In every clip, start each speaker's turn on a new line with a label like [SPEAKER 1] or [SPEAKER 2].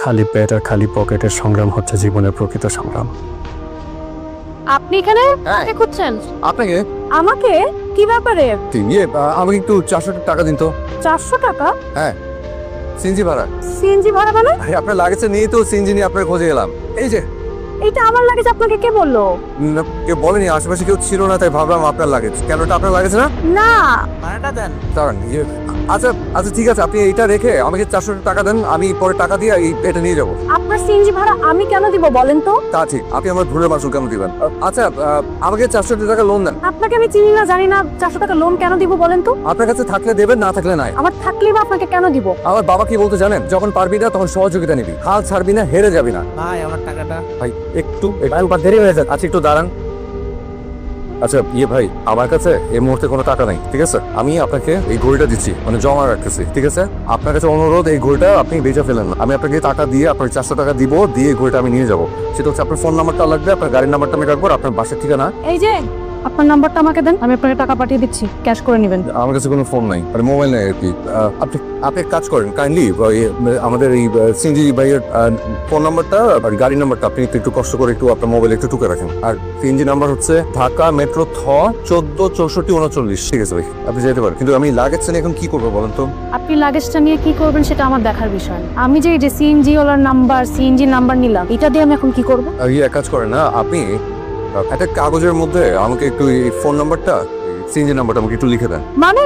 [SPEAKER 1] খালি পেট আর খালি পকেটের সংগ্রাম হচ্ছে জীবনের প্রকৃত সংগ্রাম।
[SPEAKER 2] আপনি এখানে কাকে খুঁজছেন?
[SPEAKER 3] আপনাকে
[SPEAKER 2] আমাকে? কি ব্যাপারে?
[SPEAKER 3] আমাকে একটু 400 টাকা দিন তো।
[SPEAKER 2] 400 টাকা?
[SPEAKER 3] হ্যাঁ, সিএনজি ভাড়া।
[SPEAKER 2] সিএনজি ভাড়া মানে?
[SPEAKER 3] আপনার লাগেছে নিয়ে তো সিএনজি নিয়ে আপনার খোঁজে এলাম। এই যে
[SPEAKER 2] এটা আমার লাগেজ, আপনাকে কে বললো?
[SPEAKER 3] কেউ বলেনি, আশেপাশে কেউ ছিল না, তাই ভাবলাম আপনার লাগেজ। কেন, এটা আপনার লাগেছে না?
[SPEAKER 2] না।
[SPEAKER 4] ভাড়াটা দেন।
[SPEAKER 3] দাঁড়ান, আচ্ছা আচ্ছা ঠিক আছে, আপনি এইটা রেখে আমাকে 400 টাকা দেন, আমি পরে টাকা দিয়ে এটা নিয়ে যাবো।
[SPEAKER 2] আপনার সিএনজি ভাড়া আমি কেন দিব বলেন তো?
[SPEAKER 3] তা ঠিক, আপনি আমার ভুলের মাসুল কেন দিবেন? আচ্ছা, আমাকে 400 টাকা লোন দেন।
[SPEAKER 2] আপনাকে আমি চিনি না, জানি না, 400 টাকা লোন কেন দিব বলেন তো?
[SPEAKER 3] আপনার কাছে থাকলে দেবেন, না থাকলে নাই।
[SPEAKER 2] আমার থাকলেই বা আপনাকে কেন দিব?
[SPEAKER 3] আমার বাবা কি বলতে জানেন, যখন পারবি না তখন সহযোগিতা নিবি, হাল ছাড়বি না, হেরে যাবি না।
[SPEAKER 4] ভাই আমার টাকাটা।
[SPEAKER 3] ভাই একটু দেরি হয়ে যাচ্ছে। আচ্ছা একটু দাঁড়ান। আচ্ছা ভাই, আমার কাছে এই মুহূর্তে কোনো টাকা নাই, ঠিক আছে? আমি আপনাকে এই ঘড়িটা দিচ্ছি, মানে জমা রাখতেছি, ঠিক আছে? আপনার কাছে অনুরোধ, এই ঘড়িটা আপনি বেচে ফেলেন না। আমি আপনাকে টাকা দিয়ে, আপনার 400 টাকা দিব, দিয়ে এই ঘড়িটা আমি নিয়ে যাবো। সেটা হচ্ছে আপনার ফোন নাম্বারটা লাগবে, আপনার গাড়ির নাম্বারটা আমি রাখবো, আপনার বাসার ঠিকানা।
[SPEAKER 2] এই যে আপনার নাম্বারটা আমাকে দেন, আমি আপনাকে টাকা পাঠিয়ে দিচ্ছি, ক্যাশ করে নেবেন।
[SPEAKER 3] আমার কাছে কোনো ফোন নাই, মানে মোবাইল নাই আর কি। আপনি আপনি এক কাজ করেন, কাইন্ডলি আমাদের এই সিএনজি ভাইয়ের ফোন নাম্বারটা আর গাড়ির নাম্বারটা আপনি একটু কষ্ট করে একটু আপনার মোবাইলে একটু টুকে রাখেন। আর সিএনজি নাম্বার হচ্ছে ঢাকা মেট্রো 146439। ঠিক আছে ভাই, আপনি যেতে পারেন, কিন্তু আমি লাগেজটা নিয়ে এখন কি করবো বলেন তো?
[SPEAKER 2] আপনি লাগেজটা নিয়ে কি করবেন সেটা আমার দেখার বিষয়। আমি যে সিএনজি ওলার নাম্বার, সিএনজি নাম্বার নিলাম, এটা দিয়ে আমি এখন কি করব?
[SPEAKER 3] এক কাজ করেন না, আপনি একটা কাগজের মধ্যে আমাকে একটু এই ফোন নাম্বারটা, সিএনজি নাম্বারটা আমাকে একটু লিখে দেন।
[SPEAKER 2] মানে?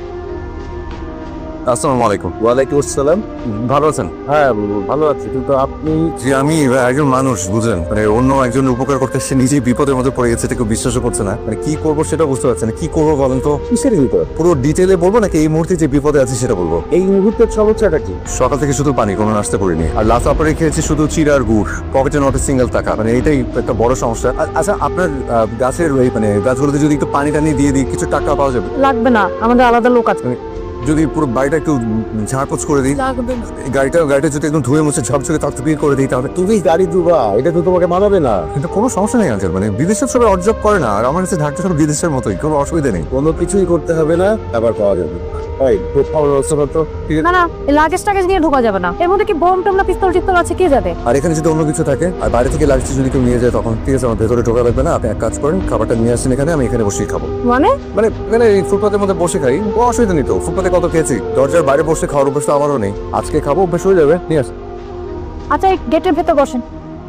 [SPEAKER 3] আসসালামু আলাইকুম।
[SPEAKER 1] ওয়ালাইকুম আসসালাম।
[SPEAKER 3] ভালো আছেন?
[SPEAKER 1] হ্যাঁ ভালো আছি, কিন্তু আপনি?
[SPEAKER 3] যে আমি একজন মানুষ, বুঝলেন, মানে অন্য একজনের উপকার করতে সে নিজেই বিপদের মধ্যে পড়ে গেছে, কেউ বিশ্বাসও করছে না। মানে কি করবো সেটা বুঝতে পারছে না। কি করবো বলেন তো?
[SPEAKER 1] কিসের বিপদ?
[SPEAKER 3] পুরো ডিটেলে বলবো নাকি এই মুহূর্তে যে বিপদে আছে সেটা বলবো?
[SPEAKER 1] এই মুহূর্তের সমস্যাটা কি?
[SPEAKER 3] সকাল থেকে শুধু পানি, কোনো নাস্তা করিনি, আর লাস্ট অপারে খেয়েছি শুধু চিড়া আর গুড়, পকেটে নট সিঙ্গেল টাকা। মানে এইটাই একটা বড় সমস্যা। আচ্ছা, আপনার গাছের ওই মানে গাছগুলোতে যদি একটু পানি টানি দিয়ে দিই, কিছু টাকা পাওয়া যাবে?
[SPEAKER 2] লাগবে না, আমাদের আলাদা লোক আছে।
[SPEAKER 3] যদি পুরো বাড়িটা একটু ঝাড়পোছ করে দিই,
[SPEAKER 2] লাগবে না।
[SPEAKER 3] গাড়িটা যদি একদম ধুয়ে মুছে ঝকঝকে তকতকিয়ে করে দিই, তাহলে
[SPEAKER 1] তুমি গাড়ি দুবা, এটা তো তোমাকে মানাবে না।
[SPEAKER 3] কিন্তু কোনো সমস্যা নেই আঙ্কেল। মানে বিদেশের সবাই অর্জব করে না, আর আমার কাছে ঢাকটা সব বিদেশের মতোই, কোনো অসুবিধা নেই।
[SPEAKER 1] কোনো কিছুই করতে হবে না, আবার পাওয়া যাবে। ভাই খুব ভালো ব্যবস্থা করতো।
[SPEAKER 2] না না, লাগেজ টাগেজ নিয়ে ঢোকা যাবে না। এর মধ্যে কি বোম টোম না পিস্তল টিস্তল আছে, কে যাবে?
[SPEAKER 3] আর এখানে যদি অন্য কিছু থাকে আর বাইরে থেকে লাগছে যদি কেউ নিয়ে যায়, তখন ঠিক আছে, আমার ভেতরে ঢোকা লাগবে না। আপনি এক কাজ করেন, খাবারটা নিয়ে আসেন এখানে, আমি এখানে বসেই খাবো।
[SPEAKER 2] মানে?
[SPEAKER 3] মানে এখানে এই ফুটপাতের মধ্যে বসে খাই, কোনো অসুবিধা নেই তো। ফুটপাতে কত খেয়েছি, দরজার বাইরে বসে খাওয়ার অভ্যাস তো আমারও নেই। আজকে খাবো, অভ্যাস হয়ে যাবে। নিয়ে আস।
[SPEAKER 2] আচ্ছা, এই গেটের ভেতর বসেন।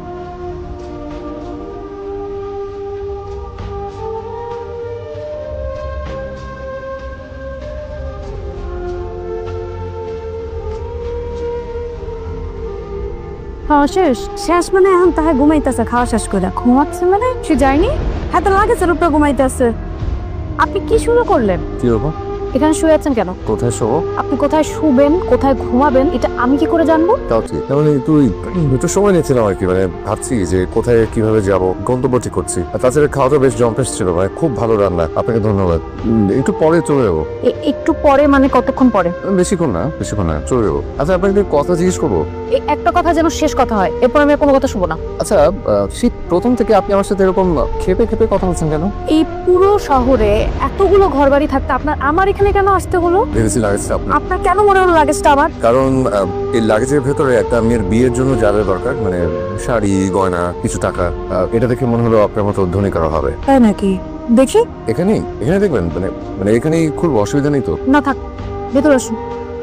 [SPEAKER 2] খাওয়া শেষ? শেষ মানে এখন তাহে ঘুমাইতেছে, খাওয়া শেষ করে ঘুমাচ্ছে মানে? সে যায়নি, হ্যাঁ তো লাগেছে উপরে ঘুমাইতেছে। আপনি কি শুরু করলেন?
[SPEAKER 3] কি হবো?
[SPEAKER 2] এখানে শুয়ে আছেন কেন?
[SPEAKER 3] কোথায় শোবো?
[SPEAKER 2] আপনি কোথায় শুবেন, কোথায় ঘুমাবেন, এটা আমি কি করে জানবো?
[SPEAKER 3] তাও ঠিক। মানে তুই একটু সময় নিয়েছিলাম আর কি, মানে ভাবছি যে কোথায় কিভাবে যাব, গন্তব্য ঠিক করছি। আর তাছাড়া খাওয়াটা বেশ জম্পেশ ছিল ভাই, খুব ভালো রান্না, আপনাকে ধন্যবাদ। একটু পরে চলে যাবো।
[SPEAKER 2] একটু পরে মানে কতক্ষণ পরে?
[SPEAKER 3] বেশিক্ষণ না, চলে যাবো। আচ্ছা, আপনাকে একটা কথা জিজ্ঞেস করবো?
[SPEAKER 2] এই একটা কথা যেন শেষ কথা হয়, এরপর আমি আর কোনো কথা শুনবো না।
[SPEAKER 3] আচ্ছা, শীত প্রথম থেকে আপনি আমার সাথে এরকম খেপে খেপে কথা বলছেন কেন?
[SPEAKER 2] এই পুরো শহরে এতগুলো ঘরবাড়ি থাকতে আপনার আমার এখানে কেন আসতে হলো?
[SPEAKER 3] ভেবেছি লাগেজটা আপনার।
[SPEAKER 2] আপনার কেন মনে হলো লাগেজটা আমার?
[SPEAKER 3] কারণ এই লাগেজের ভেতরে একটা মেয়ের বিয়ের জন্য যা যা দরকার, মানে শাড়ি, গয়না, কিছু টাকা, এটা দেখে মনে হলো আপনার মতো ধনী কারো হবে।
[SPEAKER 2] তাই নাকি? দেখি।
[SPEAKER 3] এখানে দেখবেন, মানে মানে এখানেই খুব অসুবিধা নেই তো?
[SPEAKER 2] না থাক, ভেতর আসুন।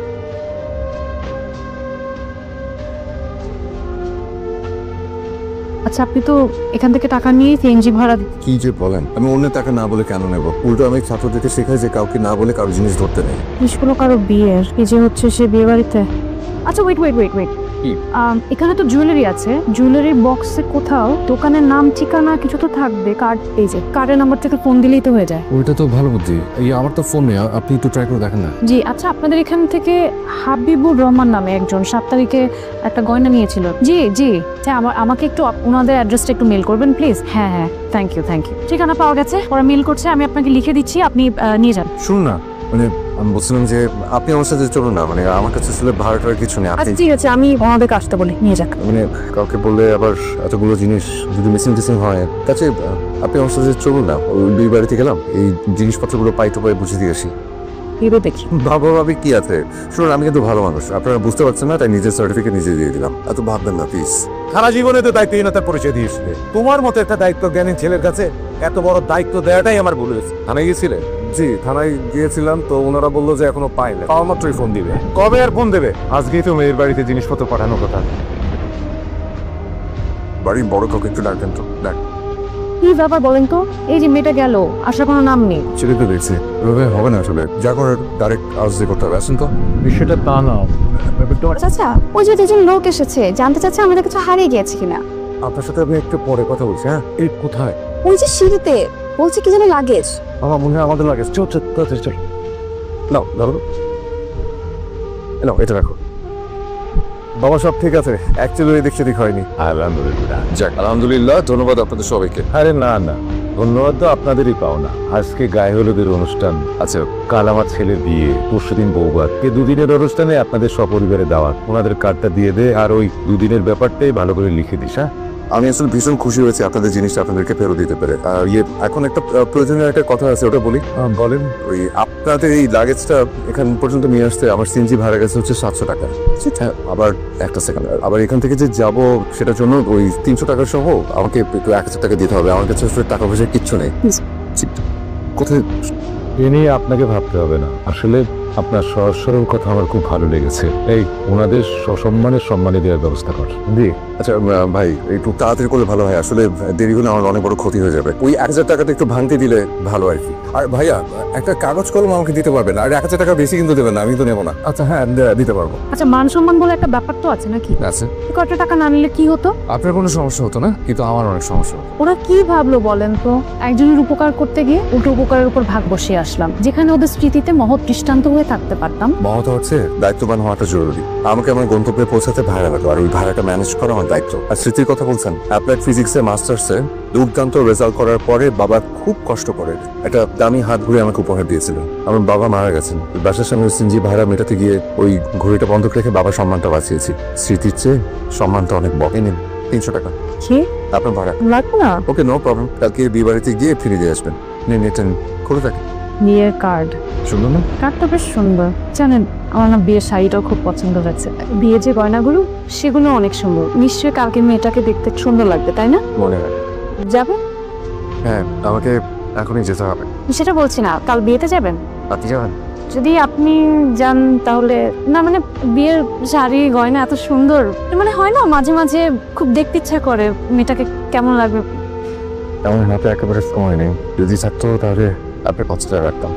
[SPEAKER 2] আচ্ছা, আপনি তো এখান থেকে টাকা নিয়ে সিএনজি ভাড়া
[SPEAKER 3] কি যে বলেন, আমি অন্য টাকা না বলে কেন নেব? উল্টো আমি ছাত্রদেরকে শেখাই যে কাউকে না বলে কারো জিনিস ধরতে নেই।
[SPEAKER 2] নিষ্কুল কারো বিয়ের, এই যে হচ্ছে সে বিয়ে বাড়িতে। আচ্ছা ওয়েট ওয়েট ওয়েট ওয়েট,
[SPEAKER 3] কি?
[SPEAKER 2] এখানে তো জুয়েলারি আছে, জুয়েলারির বক্সে কোথাও দোকানের নাম ঠিকানা কিছু তো থাকবে। কার্ড, এই যে কার্ডের নাম্বার থেকে ফোন দিলেই তো হয়ে যায়।
[SPEAKER 3] ওইটা তো ভালো বুদ্ধি। এই আমার তো ফোন নেই, আপনি একটু ট্রাই করে দেখেন না।
[SPEAKER 2] জি আচ্ছা, আপনাদের এখান থেকে হাবিবুর রহমান নামে একজন 7 তারিখে একটা গয়না নিয়েছিল। জি জি, আমাকে একটু ওনাদের অ্যাড্রেসটা একটু মেল করবেন প্লিজ। হ্যাঁ হ্যাঁ, থ্যাংক ইউ। ঠিকানা পাওয়া গেছে, ওরা মেল করছে, আমি আপনাকে লিখে দিচ্ছি, আপনি নিয়ে যান।
[SPEAKER 3] শুনুন না, মানে আমি বলছিলাম যে আপনি আমার সাথে চলুন না, মানে আমার কাছে আসলে ভাড়াটার কিছু নেই।
[SPEAKER 2] আচ্ছা ঠিক আছে, আমি ওনাদেরকে আসতে বলি, নিয়ে যাক।
[SPEAKER 3] মানে কাউকে বললে আবার এতগুলো জিনিস যদি মিসিং হয়, তাছে আপনি আমার সাথে চলুন না, ওই দুই বাড়িতে গেলাম, এই জিনিসপত্রগুলো পাই টু পাই বুঝে দিয়ে আসি।
[SPEAKER 2] ভেবে দেখি।
[SPEAKER 3] বাবা ভাবি কি আছে, শুনুন আমি কিন্তু ভালো মানুষ, আপনারা বুঝতে পারছেন না, তাই নিজের সার্টিফিকেট নিজে দিয়ে দিলাম। এত ভাববেন না প্লিজ।
[SPEAKER 1] সারা জীবনে তো দায়িত্বহীনতার পরিচয় দিয়েছিলে। তোমার মতো একটা দায়িত্ব জ্ঞানী ছেলের কাছে এত বড় দায়িত্ব দেওয়াটাই আমার ভুল হয়েছে।
[SPEAKER 3] থানায় গিয়েছিলেন? জি থানায় গিয়েছিলাম, তো ওনারা বললো যে এখনো পাইনি, পাওয়া মাত্রই ফোন দিবে।
[SPEAKER 1] কবে আর ফোন দেবে? আজকেই তো মেয়ের বাড়িতে জিনিসপত্র পাঠানোর কথা।
[SPEAKER 3] বাড়ির বড় কাউকে একটু ডাকবেন তো। ডাক।
[SPEAKER 2] কি ব্যাপার বলেন তো? এই যে মেয়েটা গেল, আসার কোনো নাম নেই।
[SPEAKER 3] ছেলে তো দেখছি এভাবে হবে না, আসলে যা করার ডাইরেক্ট আউজ দিয়ে করতে হবে। আসেন তো।
[SPEAKER 1] বিষয়টা তা না,
[SPEAKER 4] চাচা ওই যে দুজন লোক এসেছে, জানতে চাচ্ছে আমাদের কিছু হারিয়ে গিয়েছে কিনা।
[SPEAKER 3] আপনার সাথে আমি একটু পরে কথা বলছি। হ্যাঁ
[SPEAKER 1] এই কোথায়?
[SPEAKER 4] ওই যে সিঁড়িতে বলছে কি যেন লাগেজ।
[SPEAKER 3] আমার মনে হয় আমাদের লাগে। চল চল চল চল। নাও ধরো, নাও এটা রাখো। বাবা সব ঠিক আছে, অ্যাকচুয়ালি এদিক সেদিক হয়নি।
[SPEAKER 1] আলহামদুলিল্লাহ।
[SPEAKER 3] যাক আলহামদুলিল্লাহ, ধন্যবাদ আপনাদের সবাইকে।
[SPEAKER 1] আরে না না, ধন্যবাদ তো আপনাদেরই পাওনা। আজকে গায়ে হলুদের অনুষ্ঠান,
[SPEAKER 3] আচ্ছা
[SPEAKER 1] কাল আমার ছেলের বিয়ে, পরশুদিন বৌভাত। এই দুদিনের অনুষ্ঠানে আপনাদের সপরিবারে দাওয়াত। ওনাদের কার্ডটা দিয়ে দে, আর ওই দুদিনের ব্যাপারটাই ভালো করে লিখে দিস। হ্যাঁ
[SPEAKER 3] আমি আসলে ভীষণ খুশি হয়েছি আপনাদের জিনিসটা আপনাদেরকে ফেরত দিতে পেরে। আর এখন একটা প্রয়োজনীয় একটা কথা আছে, ওটা বলি।
[SPEAKER 1] বলেন।
[SPEAKER 3] ওই আপনাদের এই লাগেজটা এখান পর্যন্ত নিয়ে আসতে আমার সিএনজি ভাড়া গেছে হচ্ছে 700 টাকা। হ্যাঁ আবার একটা সেকেন্ড, আবার এখান থেকে যে যাব সেটার জন্য ওই 300 টাকা সহ আমাকে একটু 1000 টাকা দিতে হবে। আমার কাছে আসলে টাকা পয়সা কিচ্ছু নেই। কোথায়?
[SPEAKER 1] এ নিয়ে আপনাকে ভাবতে হবে না। আসলে আপনার সহজ সরল কথা আমার খুব ভালো লেগেছে। এই ওনাদের সসম্মানের সম্মানে দেওয়ার ব্যবস্থা কর। জি।
[SPEAKER 3] আচ্ছা ভাই একটু তাড়াতাড়ি করলে ভালো হয়, আসলে দেরি হলে আমার অনেক বড় ক্ষতি হয়ে যাবে। ওই 1000 টাকাটা একটু ভাঙতে দিলে ভালো আর কি। আর ভাইয়া একটা কাগজ কলম আমাকে দিতে পারবেন? আর 1000 টাকা বেশি কিন্তু দেবেন না, আমি তো নেবো না। আচ্ছা হ্যাঁ দিতে পারবো।
[SPEAKER 2] আচ্ছা মান সম্মান বলে একটা ব্যাপার তো আছে নাকি?
[SPEAKER 3] আচ্ছা
[SPEAKER 2] কত টাকা না নিলে কি হতো?
[SPEAKER 3] আপনার কোনো সমস্যা হতো না, কিন্তু আমার অনেক সমস্যা হতো।
[SPEAKER 2] ওরা কি ভাবলো বলেন তো? একজনের উপকার করতে গিয়ে উল্টো উপকারের উপর ভাগ বসিয়ে আসলাম, যেখানে ওদের স্মৃতিতে মহৎ দৃষ্টান্ত হয়ে থাকতে পারতাম।
[SPEAKER 3] মহৎ হচ্ছে দায়িত্ববান হওয়াটা জরুরি। আমাকে আমার গন্তব্যে পৌঁছাতে ভাড়া লাগলো, আর ওই ভাড়াটা ম্যানেজ করা আমার দায়িত্ব। আর স্মৃতির কথা বলছেন, অ্যাপ্লাইড ফিজিক্সে মাস্টার্সে দুর্দান্ত রেজাল্ট করার পরে বাবা খুব কষ্ট করে একটা দামি হাত ঘুরে আমাকে উপহার দিয়েছিলেন। আমার বাবা মারা গেছেন, বাসার সামনে সিনজি ভাড়া মেটাতে গিয়ে ওই ঘড়িটা বন্ধক রেখে বাবার সম্মানটা বাঁচিয়েছি। স্মৃতির চেয়ে সম্মানটা অনেক বকে। নিন 300 টাকা
[SPEAKER 2] কি
[SPEAKER 3] আপনার ভাড়া।
[SPEAKER 2] লাগবে না?
[SPEAKER 3] ওকে নো প্রবলেম, কালকে বিয়ে বাড়িতে গিয়ে ফিরে দিয়ে আসবেন। নিন এটা খুলে থাকে।
[SPEAKER 2] বিয়ের কার্ড?
[SPEAKER 3] শুনুন না,
[SPEAKER 2] কার্ডটা বেশ সুন্দর। জানেন আমার না বিয়ের শাড়িটাও খুব পছন্দ হয়েছে। বিয়ে যে গয়নাগুলো সেগুলো অনেক সুন্দর। নিশ্চয়ই কালকে মেয়েটাকে দেখতে সুন্দর লাগবে, তাই না?
[SPEAKER 3] মনে হয়।
[SPEAKER 2] যাবে?
[SPEAKER 3] হ্যাঁ আমাকে এখনই যেতে হবে।
[SPEAKER 2] সেটা বলছি না, কাল বিয়েতে যাবেন?
[SPEAKER 3] আপনি যাবেন?
[SPEAKER 2] যদি আপনি যান তাহলে না, মানে বিয়ের শাড়ি গয়না এত সুন্দর, মানে হয় না মাঝে মাঝে খুব দেখতে ইচ্ছা করে মেয়েটাকে কেমন লাগবে।
[SPEAKER 3] আমার হাতে একেবারে সময় নেই, যদি থাকতো তাহলে আপনার কথাটা রাখতাম।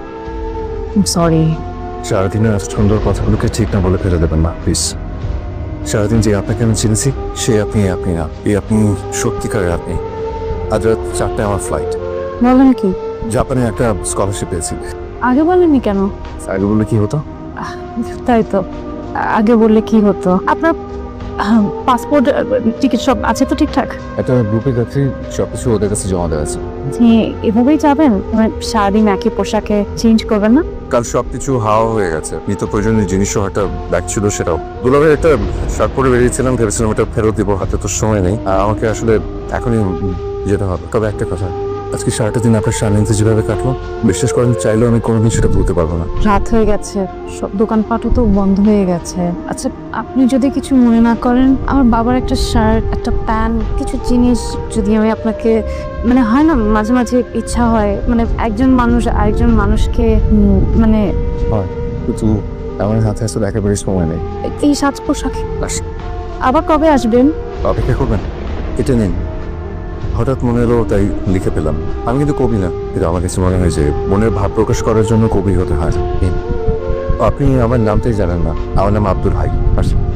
[SPEAKER 2] সরি।
[SPEAKER 3] সারাদিনের সুন্দর কথাগুলোকে ঠিক না বলে ফেলে দেবেন না প্লিজ। সারাদিন যে আপনাকে আমি চিনেছি সে আপনি না, এই আপনি সত্যিকারের আপনি। আজ রাত 4টায় আমার ফ্লাইট।
[SPEAKER 2] বলেন কি?
[SPEAKER 3] জাপানে একটা স্কলারশিপ পেয়েছি।
[SPEAKER 2] আগে বলেননি কেন?
[SPEAKER 3] আগে বললে কি হতো?
[SPEAKER 2] তাই তো, আগে বললে কি হতো? আপনার পাসপোর্ট টিকিট সব আছে তো ঠিকঠাক?
[SPEAKER 3] একটা গ্রুপে যাচ্ছি, সবকিছু ওদের কাছে জমা দেওয়া আছে।
[SPEAKER 2] এভাবেই যাবেন? মানে সারাদিন একই পোশাকে চেঞ্জ করবেন না?
[SPEAKER 3] কাল সবকিছু হাওয়া হয়ে গেছে। নিত্য প্রয়োজনীয় জিনিসও একটা ব্যাগ ছিল, সেটাও দুলাভাই একটা শার্ট পরে বেরিয়েছিলাম, ভেবেছিলাম এটা ফেরত দিব, হাতে তো সময় নেই। আমাকে আসলে এখনই যেতে হবে। তবে একটা কথা, আজকে সারাটা দিন আপনার সান্নিধ্যে যেভাবে কাটলো, বিশ্বাস করেন চাইলেও আমি কোনোদিন সেটা ভুলতে পারবো না।
[SPEAKER 2] রাত হয়ে গেছে, সব দোকানপাটও তো বন্ধ হয়ে গেছে। আচ্ছা আপনি যদি কিছু মনে না করেন, আমার বাবার একটা শার্ট, একটা প্যান্ট, কিছু জিনিস যদি আমি আপনাকে, মানে হয় না মাঝে মাঝে ইচ্ছা হয়, মানে একজন মানুষ আরেকজন মানুষকে মানে
[SPEAKER 3] কিন্তু আমার হাতে আসলে একেবারে সময় নেই।
[SPEAKER 2] এই সাজ পোশাকে। আবার কবে আসবেন?
[SPEAKER 3] অপেক্ষা করবেন, এটা নিন। হঠাৎ মনে এলো তাই লিখে পেলাম। আমি কিন্তু কবি না, কিন্তু আমার কাছে মনে হয় যে মনের ভাব প্রকাশ করার জন্য কবি হতে হয়। আপনি আমার নামটাই জানেন না, আমার নাম আব্দুল হাই।